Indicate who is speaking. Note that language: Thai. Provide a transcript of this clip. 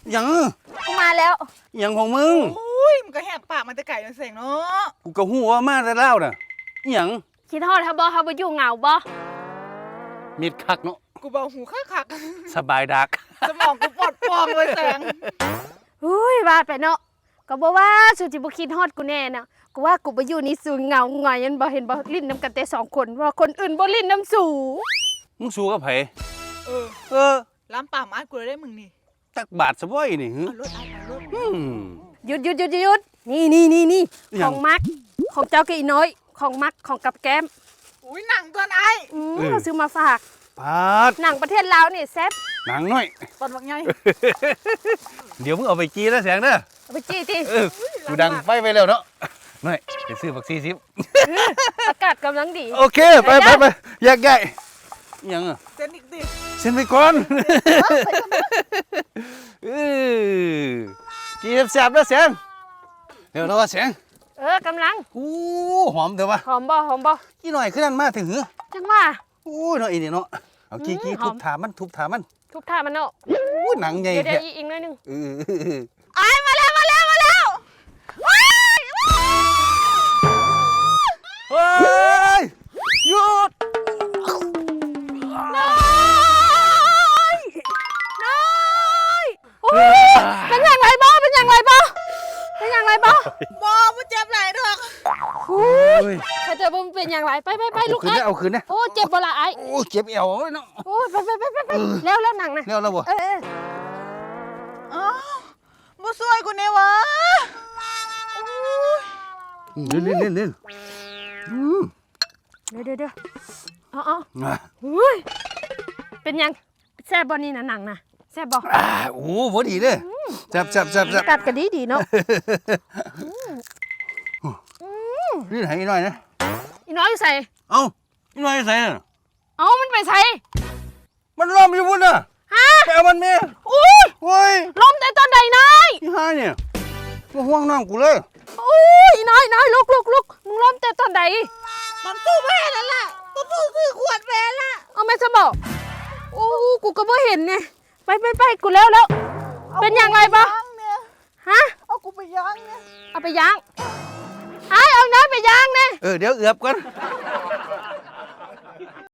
Speaker 1: ยัง
Speaker 2: กูมาแล้ว
Speaker 1: ยังของมึง
Speaker 3: อุ้ยมันก็แหกปากมันจะไก่มันเสียงเนาะ
Speaker 1: กูก็หัวมาแต่เล่าน่ะยัง
Speaker 2: คิดฮอดเฮาบ่อยู่เหงาบ่
Speaker 1: มิดคักเนาะ
Speaker 3: กูเบาหูคัก
Speaker 1: สบายดัก
Speaker 3: สมองกูปลอดปลอมเลยแสง
Speaker 2: อุ้ยว่าไปเนาะก็บ่ว่าสุจิบ่คิดฮอดกูแน่นะกูว่ากูบ่อยู่นี่สูงเหงาหงอยยันบ่เห็นบ่ลิ้นน้ำกันแต่2คนว่าคนอื่นบ่ลิ้นน้ำสู
Speaker 1: มึงสู้กับไผเออ
Speaker 3: ล้ำป่าไม้กูเลยได้มึงนี่
Speaker 1: ตักบาทซะบ่อยนี่
Speaker 3: เอารถ
Speaker 2: หยุดนี่ของมักของเจ้ากับอีน้อยของมักของกับแก้ม
Speaker 3: อุ้ยหนังตัวไอ้
Speaker 2: เราซื้อมาฝาก
Speaker 1: ปาด
Speaker 2: หนังประเทศลาวนี่แซ่บ
Speaker 1: หนังน้อย
Speaker 3: ตอนว่าไง
Speaker 1: เดี๋ยวมึงเอาไปจีแล้วแสงเด้อ
Speaker 2: เอาไปจี้ติ
Speaker 1: กูดังไปแล้วเนาะน้อยไปซื้อบัก40
Speaker 2: อากาศกำลังดี
Speaker 1: โอเคไปแยกย้ายยังอ่ะ
Speaker 3: เส้นอีกดิ
Speaker 1: เซ็นไปก่อนจีบแซ่บแล้วแสงเดี๋ยวนะว่าแสง
Speaker 2: กำลัง
Speaker 1: อู้หอมเดี๋ยววะ
Speaker 2: หอมบ่
Speaker 1: กี่หน่อยขึ้นนั่นมาถึงหือ
Speaker 2: จังว่า
Speaker 1: อู้เนาะอีนี่เนาะเอากี้ทุบถามัน
Speaker 2: ทุบท่ามันเนาะ
Speaker 1: อู้หนังใหญ่
Speaker 2: เดี๋ยวอีกหน่อยนึง
Speaker 3: ไอ้มาแล้ว
Speaker 1: เฮ้ยหยุด
Speaker 2: น้อยเป็นอย่างไรบ้า
Speaker 3: บอมันเจ็บไหลดอก
Speaker 2: ถ้าเจอมันเป็นอย่างไรไปลูกไอ้
Speaker 1: เอาคืนนะ
Speaker 2: โอ้เจ็บบ่ละไอ้
Speaker 1: โอ้เจ็บเอวเนาะ
Speaker 2: โอ้ไปแล้วหนังนะ
Speaker 1: แล้วบ่
Speaker 3: อ๋อบ่สวยกูเนี่ยวะ
Speaker 1: เล่นเดี๋ยว
Speaker 2: เป็นยังแซ่บบ่นี่นะหนังนะแซ่บบ่
Speaker 1: โอ้พอดีเลยจับ
Speaker 2: กัดกันดีเนาะ
Speaker 1: นี่ไหนหน่อยนะ
Speaker 2: อีน้อยใส่
Speaker 1: อีหน่อยใส่
Speaker 2: มันไปใส่
Speaker 1: มันล้มอยู่พุ่นน่ะไปเอามันเมีย
Speaker 2: อุ้ยล้มแต่ตอนใดนาย
Speaker 1: ที่ห้าเนี่ยมาห่วงน้องกูเลย
Speaker 2: อีน้อยลุกมึงล้มแต่ตอนใด
Speaker 3: มันสู้แม่แล้วล่ะมันสู้ซื้อขวดแม่ละ
Speaker 2: เอาแม่จะบอกกูก็ไม่เห็นไงไปกูแล้วเป็นอย่างไรบ้างฮะ
Speaker 3: เอากูไปย่างเนี่ย
Speaker 2: เอาไปย่างเอาน้อยไปย่างเนี่ย
Speaker 1: เดี๋ยวเอือบก่อน